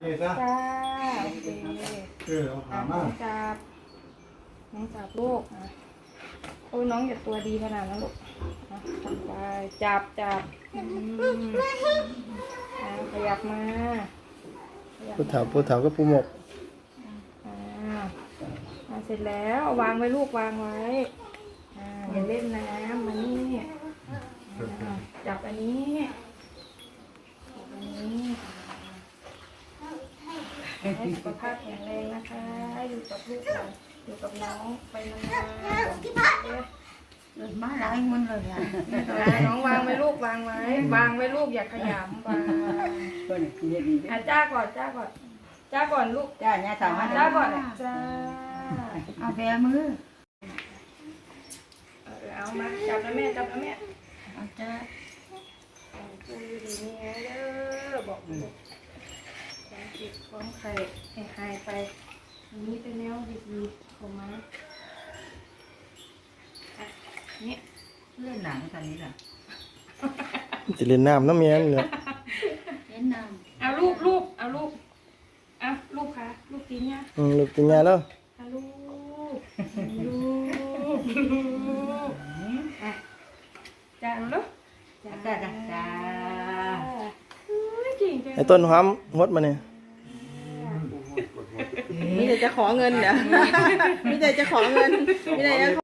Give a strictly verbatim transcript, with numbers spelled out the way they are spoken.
จ้าโอเคเออเอาอ่ะถามน้มาองจับน้องจับลูกอ่ะโอ้ยน้องอย่าตัวดีขนาดนั้นลูกอ่ะจับไปจับจับอืมอ่ะขยับมาขยับผู้มาเฒ่าผู้เฒ่าก็ผู้หมกอ่าอ่ะเสร็จแล้วเอาวางไว้ลูกวางไว้อ่าอย่าเล่นน้ำมานี่อ่าจับอันนี้จับอันนี้ให้สุขภาพแข็งแรงนะคะอยู่กับลูกหลานอยู่กับน้องไปนานๆเกิดมาหลายคนเลยอ่ะอ่ะน้องวางไว้ลูกวางไว้วางไว้ลูกอย่าขยำวางคนที่เฮ็ดดีอ่ะจ้าก่อนจ้าก่อนจ้าก่อนลูกจ้าเนี่ยสามารถจ้าก่อนจ้าเอาแบมือเออเอามาจับนะแม่จับนะแม่เอาจ้าดูดีนี่ไงเด้อบอกลูกความจิตความไข่ให้หายไปอันนี้เป็นแนวดีๆของม้าอ่ะเนี่ยเล่นหนังตอนนี้ล่ะจะเล่นน้ำน้ำเมียนเลยเล่นน้เอาลูกลูกเอาลูกเอาลูกค่ะลูกกินเนี่ยอืมลูกเป็นไงแล้วเอาลูกลูกลูกอ่ะจ้าเอาลูกำจ้าจ้าจ้าจริงจังไอ้ต้นหอมหมดมาเนี่ยมีแต่จะขอเงินเดี๋ยวมีแต่จะขอเงินมีแต่จะ